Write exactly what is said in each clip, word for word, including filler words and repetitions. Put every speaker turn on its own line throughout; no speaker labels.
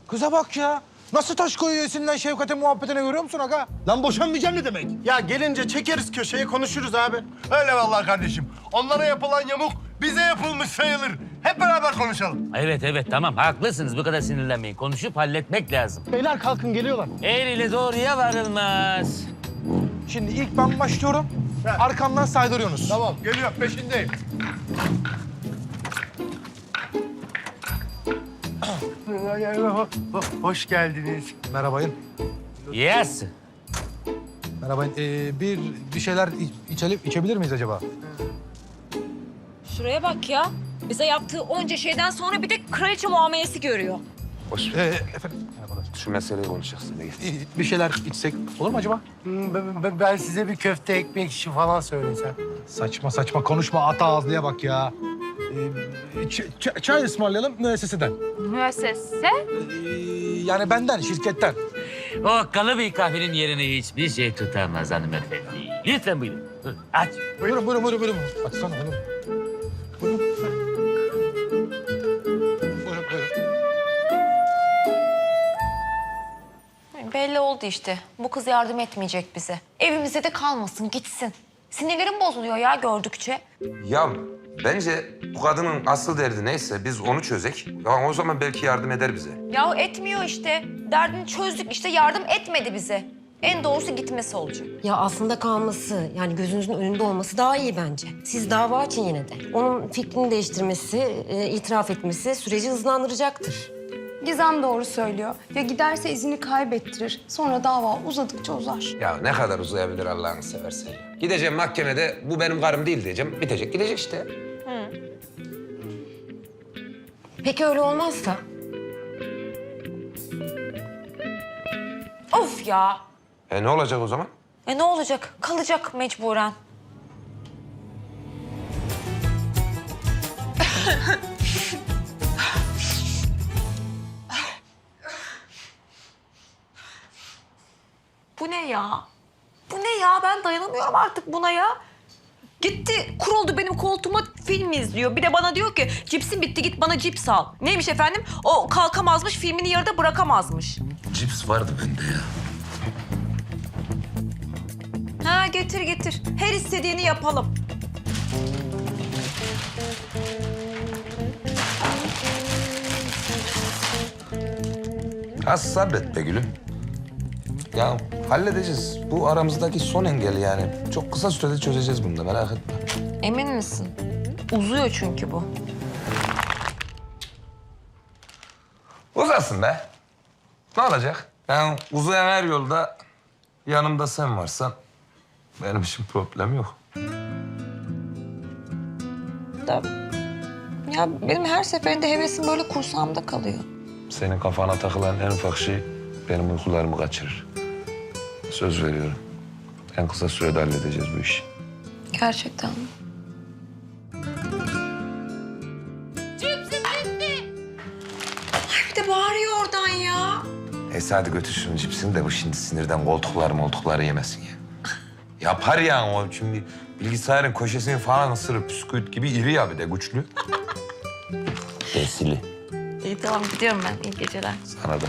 Kıza bak ya. Nasıl taş koyuyor esinden Şevkat'e muhabbetine görüyor musun aga? Lan boşanmayacağım ne demek?
Ya gelince çekeriz köşeye konuşuruz abi.
Öyle vallahi kardeşim. Onlara yapılan yamuk bize yapılmış sayılır. Hep beraber konuşalım.
Evet evet tamam haklısınız. Bu kadar sinirlenmeyin. Konuşup halletmek lazım.
Beyler kalkın geliyorlar.
Eğriyle doğruya varılmaz.
Şimdi ilk ben başlıyorum. Arkamdan saydırıyorsunuz.
Tamam geliyor peşindeyim.
Hoş geldiniz.
Merhabayın.
Yes.
Merhabayın. Ee, bir bir şeyler iç- içelim, içebilir miyiz acaba?
Şuraya bak ya. Bize yaptığı onca şeyden sonra bir de kraliçe muamelesi görüyor.
Ee, efendim. Merhabalar.
Şu meseleyi konuşacaksın. Gel.
Ee, Bir şeyler içsek olur mu acaba?
Hmm, Ben, ben- ben size bir köfte ekmek işi falan söylesem.
Saçma saçma konuşma. Ata ağızlıya bak ya. Ee, ç- ç- çay ısmarlayalım müesseseden.
Müessese?
Ee, yani benden, şirketten.
O kalıbı kahvenin yerine hiçbir şey tutamaz hanımefendi. Lütfen buyurun. Buyurun, aç.
Buyurun, buyurun, buyurun, buyurun. Açsana buyurun. Buyurun. Buyurun, buyurun.
Belli oldu işte. Bu kız yardım etmeyecek bize. Evimize de kalmasın, gitsin. Sinirlerim bozuluyor ya gördükçe.
Ya bence bu kadının asıl derdi neyse biz onu çözek. Ya o zaman belki yardım eder bize.
Ya etmiyor işte. Derdini çözdük işte yardım etmedi bize. En doğrusu gitmesi olacak.
Ya aslında kalması, yani gözünüzün önünde olması daha iyi bence. Siz dava açın yine de. Onun fikrini değiştirmesi, e, itiraf etmesi süreci hızlandıracaktır.
Gizem doğru söylüyor. Ya giderse izini kaybettirir. Sonra dava uzadıkça uzar.
Ya ne kadar uzayabilir Allah'ını seversen ya. Gideceğim mahkemede bu benim karım değil diyeceğim. Bitecek gidecek işte.
Peki öyle olmazsa?
Of ya.
E ne olacak o zaman?
E ne olacak? Kalacak mecburen. Bu ne ya? Bu ne ya? Ben dayanamıyorum artık buna ya. Gitti, kuruldu benim koltuğuma film izliyor. Bir de bana diyor ki cipsin bitti git bana cips al. Neymiş efendim? O kalkamazmış, filmini yarıda bırakamazmış.
Cips vardı bende ya.
Ha getir getir. Her istediğini yapalım.
Az sabret be gülüm. Ya halledeceğiz. Bu aramızdaki son engel yani. Çok kısa sürede çözeceğiz bunu da merak etme.
Emin misin? Uzuyor çünkü bu.
Uzasın be. Ne olacak? Yani uzayan her yolda yanımda sen varsan benim için problem yok.
Da, ya benim her seferinde hevesim böyle kursağımda kalıyor.
Senin kafana takılan en ufak şey benim uykularımı kaçırır. Söz veriyorum. En kısa sürede halledeceğiz bu işi.
Gerçekten mi? Ay bir de bağırıyor oradan ya.
Neyse hadi götür şunun cipsini de bu şimdi sinirden koltukları moltukları yemesin ya. Yapar ya o şimdi bilgisayarın köşesini falan ısırır. Püsküvit gibi iri ya bir de güçlü. Esili.
İyi tamam gidiyorum ben. İyi geceler.
Sana da.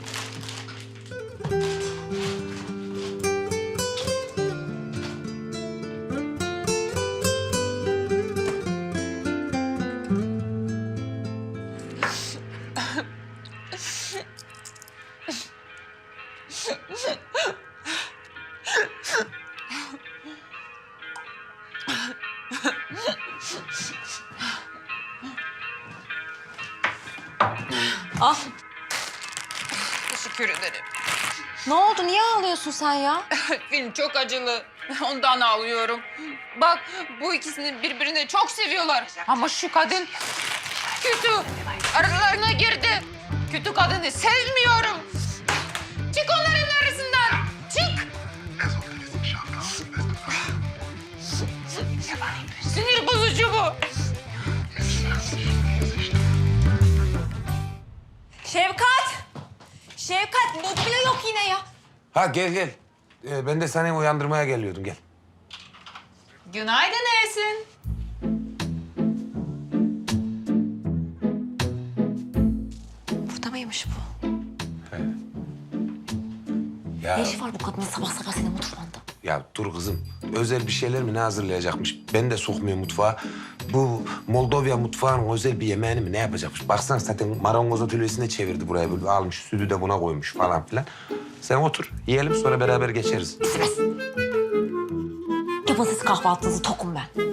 Ah
Teşekkür ederim.
ne oldu? Niye ağlıyorsun sen ya?
Film çok acılı. Ondan ağlıyorum. Bak bu ikisini birbirine çok seviyorlar. Ama şu kadın kötü. Aralarına girdi. Kötü kadını sevmiyorum. Çık onların arasından. Çık. Sinir bozucu bu.
Şevkat! Şevkat mobilya yok yine ya.
Ha gel gel. Ee, ben de seni uyandırmaya geliyordum gel.
Günaydın Esin.
Burada mıymış bu?
Ya,
Ne işi var bu kadının sabah sabah senin mutfağında?
ya dur kızım. Özel bir şeyler mi ne hazırlayacakmış? Ben de sokmuyor mutfağa. Bu Moldova mutfağının özel bir yemeğini mi ne yapacakmış? Baksana zaten marangoz atölyesine çevirdi buraya. Böyle almış sütü de buna koymuş falan filan. Sen otur, yiyelim sonra beraber geçeriz.
Yapın siz kahvaltınızı, tokum ben.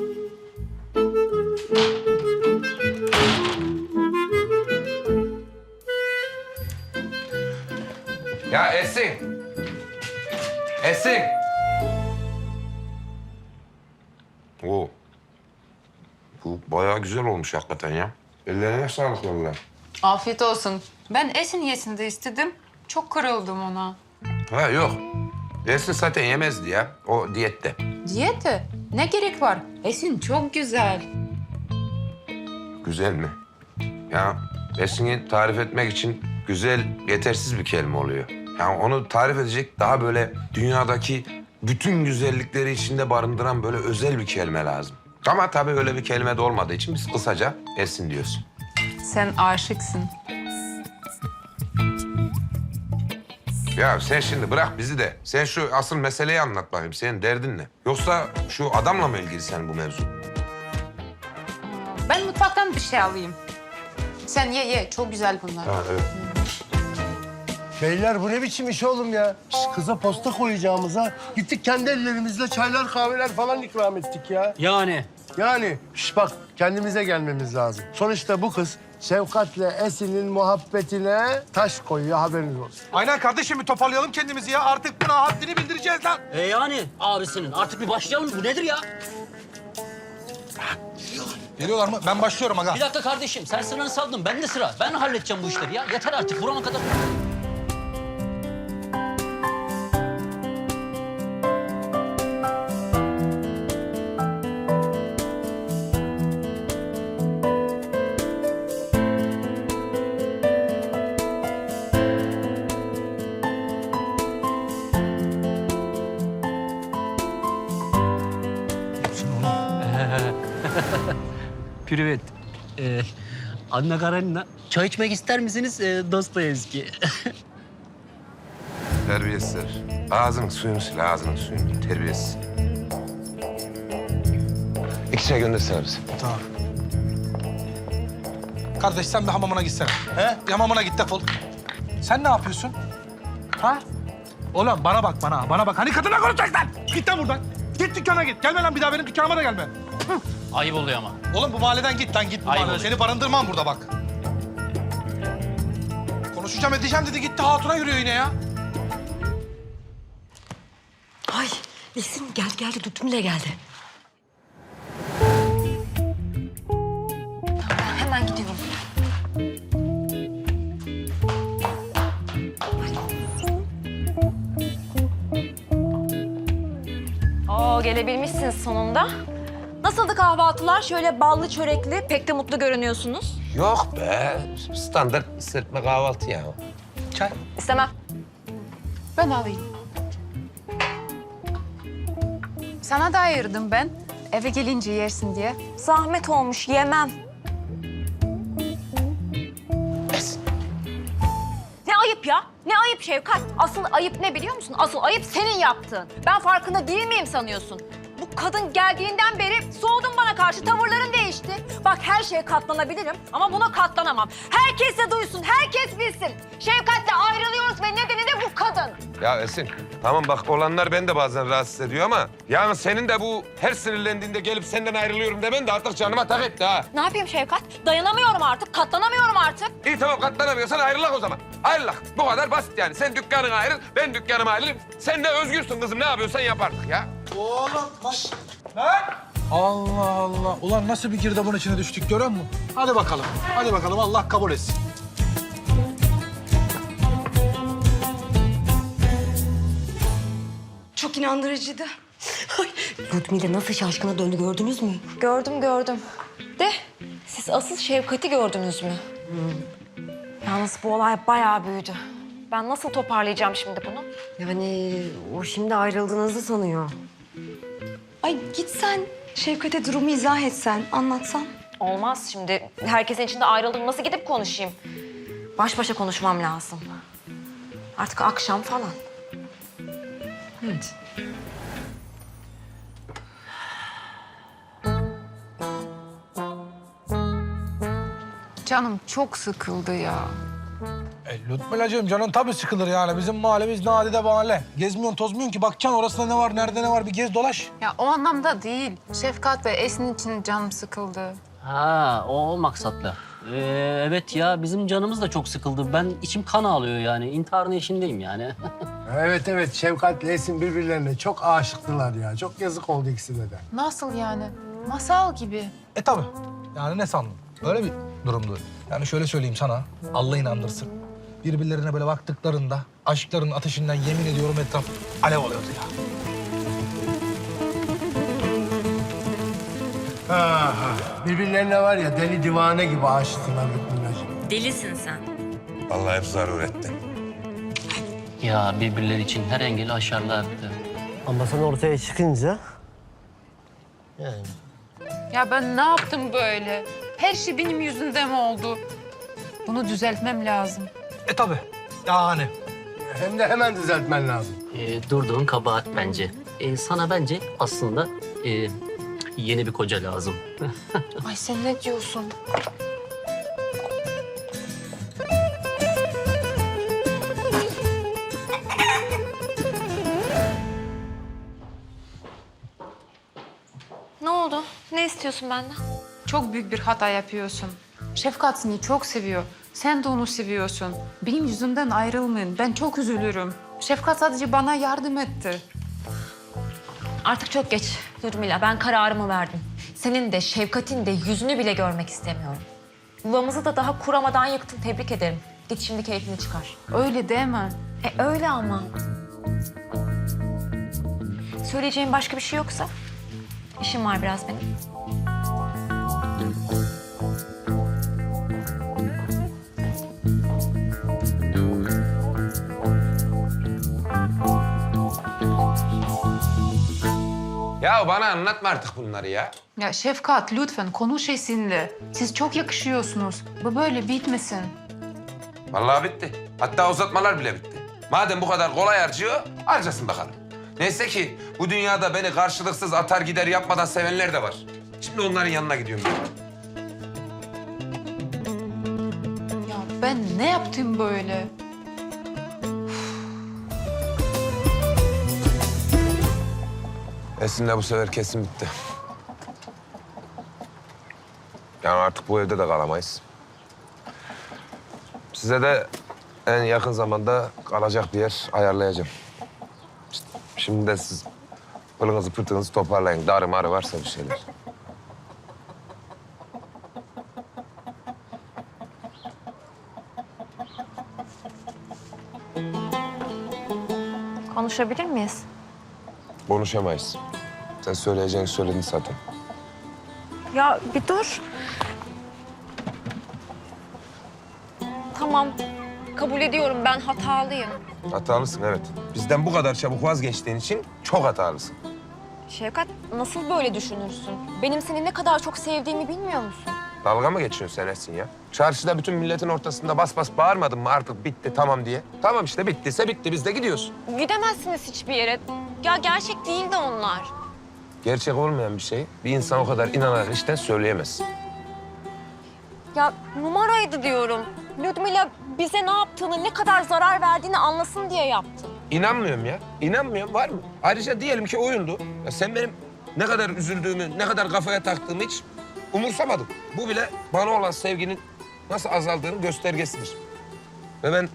Ya Esin. Esin. Oo. Bu bayağı güzel olmuş hakikaten ya. Ellerine sağlık vallahi.
Afiyet olsun. Ben Esin yesin de istedim. Çok kırıldım ona.
Ha yok. Esin zaten yemezdi ya. O diyette.
Diyete? Ne gerek var? Esin çok güzel.
Güzel mi? Ya Esin'i tarif etmek için güzel yetersiz bir kelime oluyor. Yani onu tarif edecek daha böyle dünyadaki bütün güzellikleri içinde barındıran böyle özel bir kelime lazım. Ama tabii öyle bir kelime de olmadığı için biz kısaca Esin diyoruz.
Sen aşıksın.
Ya sen şimdi bırak bizi de. Sen şu asıl meseleyi anlat bakayım. Senin derdin ne? Yoksa şu adamla mı ilgili senin bu mevzu?
Ben mutfaktan bir şey alayım. Sen ye ye. Çok güzel bunlar.
Ha, evet.
Beyler bu ne biçim iş oğlum ya? Şş, kıza posta koyacağımıza gittik kendi ellerimizle çaylar kahveler falan ikram ettik ya.
Yani
Yani şş, bak kendimize gelmemiz lazım. Sonuçta bu kız Şefkat'le Esin'in muhabbetine taş koyuyor haberiniz olsun.
Aynen kardeşim bir toparlayalım kendimizi ya. Artık buna haddini bildireceğiz lan.
e yani abisinin artık bir başlayalım. Bu nedir ya?
Geliyorlar mı? Ben başlıyorum aga.
Bir dakika kardeşim sen sıranı saldın. Ben de sıra. Ben halledeceğim bu işleri ya. Yeter artık burama kadar. Privet. Ee, Anna Karenina. Çay içmek ister misiniz? Ee, Dostoyevski.
Terbiyesizler. Ağzının suyunu sil, ağzının suyunu. Terbiyesiz. İki çay göndersene bize.
Tamam. Kardeş sen bir hamamına gitsene. He? Bir hamamına git defol. Sen ne yapıyorsun? Ha? Oğlum bana bak bana. Bana bak. Hani kadına konuşacaksın lan? Git lan buradan. Git dükkana git. Gelme lan bir daha benim dükkanıma da gelme.
Ayıp oluyor ama.
Oğlum bu mahalleden git lan git bu
Ayıp
mahalleden.
oluyor.
Seni barındırmam burada bak. Konuşacağım edeceğim dedi gitti hatuna yürüyor yine ya.
Ay Esin geldi geldi Dutmile geldi.
Ben hemen gidiyorum. Oo gelebilmişsiniz sonunda. Nasıldı kahvaltılar? Şöyle ballı çörekli, pek de mutlu görünüyorsunuz.
Yok be. Standart serpme kahvaltı ya.
Çay.
İstemem.
Ben alayım. Sana da ayırdım ben. Eve gelince yersin diye.
Zahmet olmuş, yemem. Ne ayıp ya? Ne ayıp Şevkat? Asıl ayıp ne biliyor musun? Asıl ayıp senin yaptığın. Ben farkında değil miyim sanıyorsun? Bu kadın geldiğinden beri soğudun bana karşı, tavırların değişti. Bak her şeye katlanabilirim ama buna katlanamam. Herkes de duysun, herkes bilsin. Şevkat'le ayrılıyoruz ve nedeni de bu kadın.
Ya Esin, tamam bak olanlar beni de bazen rahatsız ediyor ama... ...yani senin de bu her sinirlendiğinde gelip senden ayrılıyorum demen de artık canıma tak etti ha.
Ne yapayım Şevkat? Dayanamıyorum artık, katlanamıyorum artık.
İyi tamam katlanamıyorsan ayrılak o zaman. Ayrılak. Bu kadar basit yani. Sen dükkanına ayrıl, ben dükkanıma ayrılayım. Sen de özgürsün kızım. Ne yapıyorsan yap artık ya.
Oğlum bak. Lan! Allah Allah. Ulan nasıl bir girdabın içine düştük görüyor musun? Hadi bakalım. Hadi bakalım Allah kabul etsin.
Çok inandırıcıydı.
Ay, Dutmile nasıl şaşkına döndü gördünüz mü?
Gördüm gördüm. De siz asıl Şevkat'i gördünüz mü? Yalnız bu olay bayağı büyüdü. Ben nasıl toparlayacağım şimdi bunu?
Yani o şimdi ayrıldığınızı sanıyor.
Ay git sen Şevkat'e durumu izah etsen, anlatsan.
Olmaz şimdi. Herkesin içinde ayrıldım. Nasıl gidip konuşayım? Baş başa konuşmam lazım. Artık akşam falan.
Canım çok sıkıldı ya.
E, Lütfülacığım canın tabii sıkılır yani. Bizim mahallemiz nadide mahalle. Gezmiyorsun, tozmuyorsun ki. Bakacaksın orasında ne var, nerede ne var bir gez dolaş.
Ya o anlamda değil. Şefkat ve Esin için canım sıkıldı.
Ha, o, o maksatla. Ee, evet ya, bizim canımız da çok sıkıldı. Ben içim kan ağlıyor yani. İntiharın eşindeyim yani.
Evet evet Şevkat'le Esin birbirlerine çok aşıktılar ya. Çok yazık oldu ikisine de.
Nasıl yani? Masal gibi.
E tabii. Yani ne sandın? Öyle bir durumdu. Yani şöyle söyleyeyim sana. Allah inandırsın. Birbirlerine böyle baktıklarında aşkların ateşinden yemin ediyorum etraf alev oluyordu ya.
Ha, birbirlerine var ya deli divane gibi aşıktılar Lütfülacığım.
Delisin sen.
Vallahi hep zarar etti.
Ya birbirleri için her engeli aşarlardı.
Ama sen ortaya çıkınca... Yani...
Ya ben ne yaptım böyle? Her şey benim yüzümden mi oldu? Bunu düzeltmem lazım.
E tabii. Yani.
Hem de hemen düzeltmen lazım.
Ee, durduğun kabahat bence. Ee, sana bence aslında e, yeni bir koca lazım.
Ay sen ne diyorsun?
Ne oldu? Ne istiyorsun benden?
Çok büyük bir hata yapıyorsun. Şefkat seni çok seviyor. Sen de onu seviyorsun. Benim yüzümden ayrılmayın. Ben çok üzülürüm. Şefkat sadece bana yardım etti.
Artık çok geç Nurmila. Ben kararımı verdim. Senin de Şevkat'in de yüzünü bile görmek istemiyorum. Yuvamızı da daha kuramadan yıktın. Tebrik ederim. Git şimdi keyfini çıkar.
Öyle deme.
E öyle ama. Söyleyeceğim başka bir şey yoksa? İşim var biraz benim.
Ya bana anlatma artık bunları ya.
Ya Şefkat lütfen konuş Esin'le. Siz çok yakışıyorsunuz. Bu böyle bitmesin.
Vallahi bitti. Hatta uzatmalar bile bitti. Madem bu kadar kolay harcıyor, harcasın bakalım. Neyse ki bu dünyada beni karşılıksız atar gider yapmadan sevenler de var. Şimdi onların yanına gidiyorum ben.
Ya ben ne yaptım böyle?
Esin'le bu sefer kesin bitti. Yani artık bu evde de kalamayız. Size de en yakın zamanda kalacak bir yer ayarlayacağım. İşte şimdi de siz pılınızı pırtınızı toparlayın. Darı marı varsa bir şeyler.
Konuşabilir miyiz?
Konuşamayız. Sen söyleyeceğini söyledin zaten.
Ya bir dur. Tamam. Kabul ediyorum ben hatalıyım.
Hatalısın evet. Bizden bu kadar çabuk vazgeçtiğin için çok hatalısın.
Şevkat nasıl böyle düşünürsün? Benim seni ne kadar çok sevdiğimi bilmiyor musun?
Dalga mı geçiyorsun sen Esin ya? Çarşıda bütün milletin ortasında bas bas bağırmadın mı artık bitti tamam diye? Tamam işte bittiyse bitti biz de gidiyoruz.
Gidemezsiniz hiçbir yere. Ya gerçek değil de onlar.
Gerçek olmayan bir şey bir insan o kadar inanarak işten söyleyemez.
Ya numaraydı diyorum. Ludmila bize ne yaptığını, ne kadar zarar verdiğini anlasın diye yaptı.
İnanmıyorum ya. İnanmıyorum var mı? Ayrıca diyelim ki oyundu. Ya sen benim ne kadar üzüldüğümü, ne kadar kafaya taktığımı hiç umursamadın. Bu bile bana olan sevginin nasıl azaldığının göstergesidir. Ve ben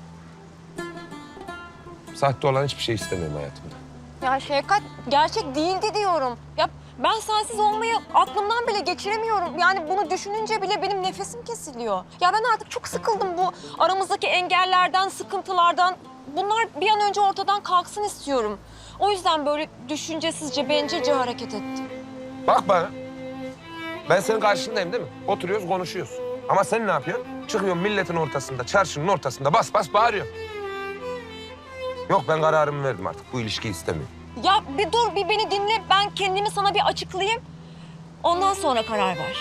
sahte olan hiçbir şey istemiyorum hayatımda.
Ya Şevkat gerçek değildi diyorum. Ya ben sensiz olmayı aklımdan bile geçiremiyorum. Yani bunu düşününce bile benim nefesim kesiliyor. Ya ben artık çok sıkıldım bu aramızdaki engellerden, sıkıntılardan. Bunlar bir an önce ortadan kalksın istiyorum. O yüzden böyle düşüncesizce, bencilce hareket ettim.
Bak bana. Ben senin karşındayım değil mi? Oturuyoruz, konuşuyoruz. Ama sen ne yapıyorsun? Çıkıyorsun milletin ortasında, çarşının ortasında bas bas bağırıyorsun. Yok ben kararımı verdim artık. Bu ilişkiyi istemiyorum.
Ya bir dur, bir beni dinle. Ben kendimi sana bir açıklayayım. Ondan sonra karar ver.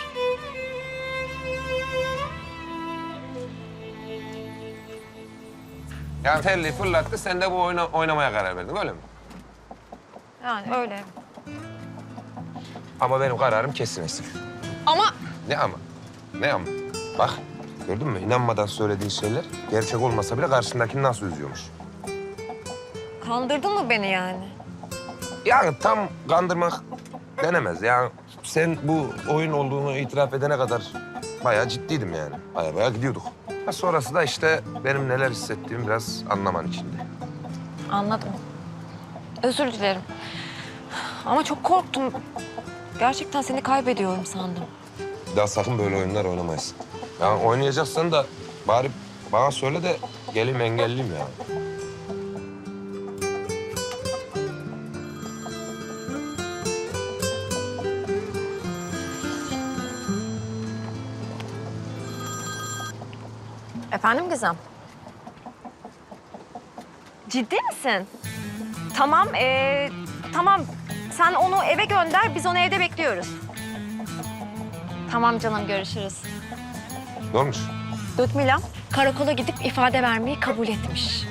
Yani terliği fırlattı, sen de bu oyuna oynamaya karar verdin öyle mi?
Yani öyle.
Ama benim kararım kesin Esin.
Ama
Ne ama? Ne ama? Bak gördün mü? İnanmadan söylediğin şeyler gerçek olmasa bile karşındakini nasıl üzüyormuş.
kandırdın mı beni yani?
Yani tam kandırmak denemez. Yani sen bu oyun olduğunu itiraf edene kadar bayağı ciddiydim yani. Bayağı bayağı gidiyorduk. Ha, sonrası da işte benim neler hissettiğimi biraz anlaman içindi.
Anladım. Özür dilerim. Ama çok korktum. Gerçekten seni kaybediyorum sandım.
Bir daha sakın böyle oyunlar oynamayız. Yani oynayacaksan da bari bana söyle de geleyim engelliyim yani.
Efendim Gizem? Ciddi misin? Tamam, ee, tamam. Sen onu eve gönder, biz onu evde bekliyoruz. Tamam canım, görüşürüz.
Ne olmuş?
Ludmila karakola gidip ifade vermeyi kabul etmiş.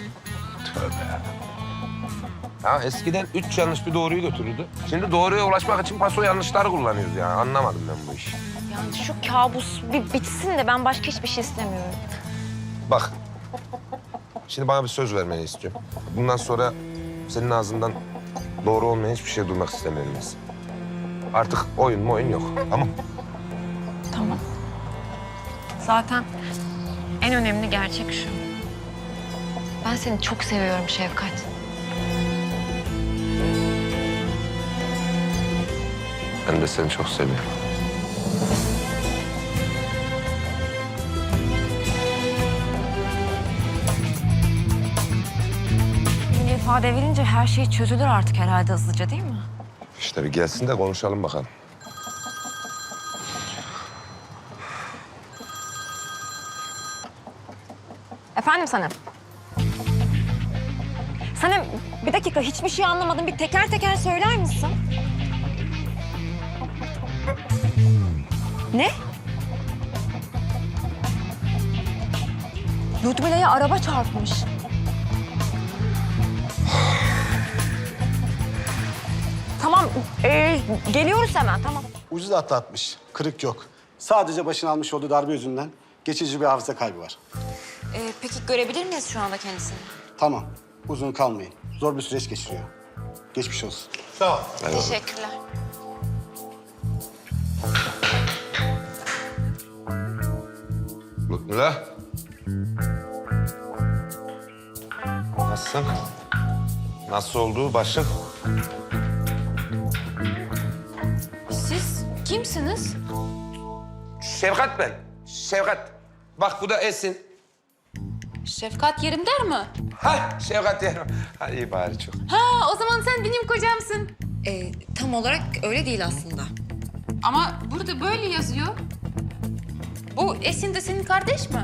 Ya eskiden üç yanlış bir doğruyu götürürdü. Şimdi doğruya ulaşmak için paso yanlışları kullanıyoruz yani. Anlamadım ben bu işi.
Yani şu kabus bir bitsin de ben başka hiçbir şey istemiyorum.
Bak. Şimdi bana bir söz vermeni istiyorum. Bundan sonra senin ağzından doğru olmayan hiçbir şey duymak istemiyorum Esin. Artık oyun mu oyun yok. Tamam.
Tamam. Zaten en önemli gerçek şu. Ben seni çok seviyorum Şefkat.
Ben de seni çok seviyorum.
Yine ifade verince her şey çözülür artık herhalde hızlıca değil mi?
İşte bir gelsin de konuşalım bakalım.
Efendim Sanem? Sanem bir dakika hiçbir şey anlamadım. Bir teker teker söyler misin? Ne? Ludmila'ya araba çarpmış. Tamam, ee, geliyoruz hemen, tamam.
Ucuz atlatmış. Kırık yok. Sadece başına almış olduğu darbe yüzünden geçici bir hafıza kaybı var.
Ee, peki görebilir miyiz şu anda kendisini?
Tamam. Uzun kalmayın. Zor bir süreç geçiriyor. Geçmiş olsun.
Sağ ol.
Teşekkürler.
Ludmila. Nasılsın? Nasıl oldu başın?
Siz kimsiniz?
Şevkat ben. Şevkat. Bak bu da Esin.
Şefkat Yerindar mı?
Ha Şevkat diyorum. Ha iyi bari çok.
Ha, o zaman sen benim kocamsın.
Ee, tam olarak öyle değil aslında.
Ama burada böyle yazıyor. Bu Esin de senin kardeş mi?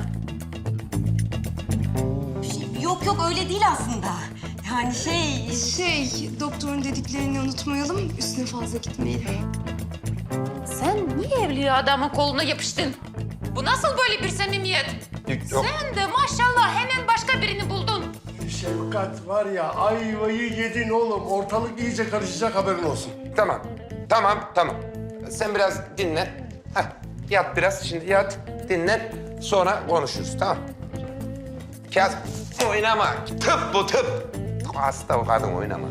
Yok yok öyle değil aslında. Yani şey...
Şey, doktorun dediklerini unutmayalım, üstüne fazla gitmeyelim.
Sen niye evli adamın koluna yapıştın? Bu nasıl böyle bir samimiyet?
Yok.
Sen de maşallah hemen başka birini buldun.
Şefkat var ya ayvayı yedin oğlum. Ortalık iyice karışacak haberin olsun.
Tamam. Tamam, tamam. Sen biraz dinlen. Heh, yat biraz. Şimdi yat, dinlen. Sonra konuşuruz, tamam? Kağıt oynama. Tıp bu tıp. Hasta o kadın oynama.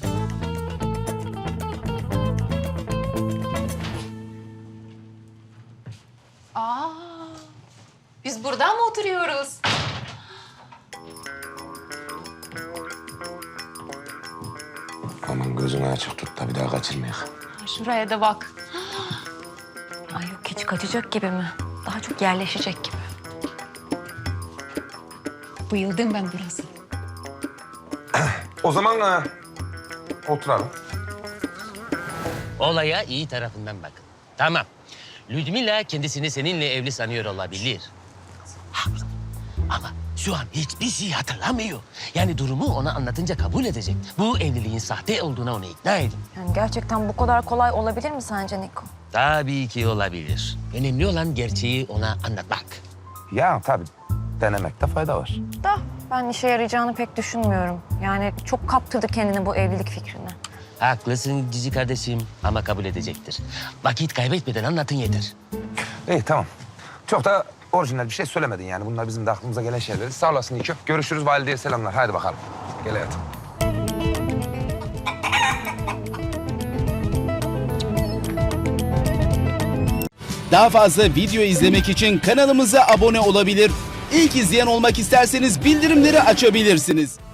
Aa, biz burada mı oturuyoruz?
Aman gözünü açık tut da bir daha kaçırmayalım.
Şuraya da bak.
Ay yok hiç kaçacak gibi mi? Daha çok yerleşecek gibi.
Bayıldım ben burası.
O zaman e, oturalım.
Olaya iyi tarafından bakın. Tamam. Ludmila kendisini seninle evli sanıyor olabilir. Haklı. Ama şu an hiçbir şey hatırlamıyor. Yani durumu ona anlatınca kabul edecek. Bu evliliğin sahte olduğuna onu ikna edin.
Yani gerçekten bu kadar kolay olabilir mi sence Niko?
Tabii ki olabilir. Önemli olan gerçeği ona anlatmak.
Ya tabii denemekte fayda var.
Da ben işe yarayacağını pek düşünmüyorum. Yani çok kaptırdı kendini bu evlilik fikrine.
Haklısın cici kardeşim ama kabul edecektir. Vakit kaybetmeden anlatın yeter.
İyi tamam. Çok da orijinal bir şey söylemedin yani. Bunlar bizim de aklımıza gelen şeyler. Sağ olasın İlkö. Görüşürüz, valideye selamlar. Haydi bakalım. Gel hayatım.
Daha fazla video izlemek için kanalımıza abone olabilir. İlk izleyen olmak isterseniz bildirimleri açabilirsiniz.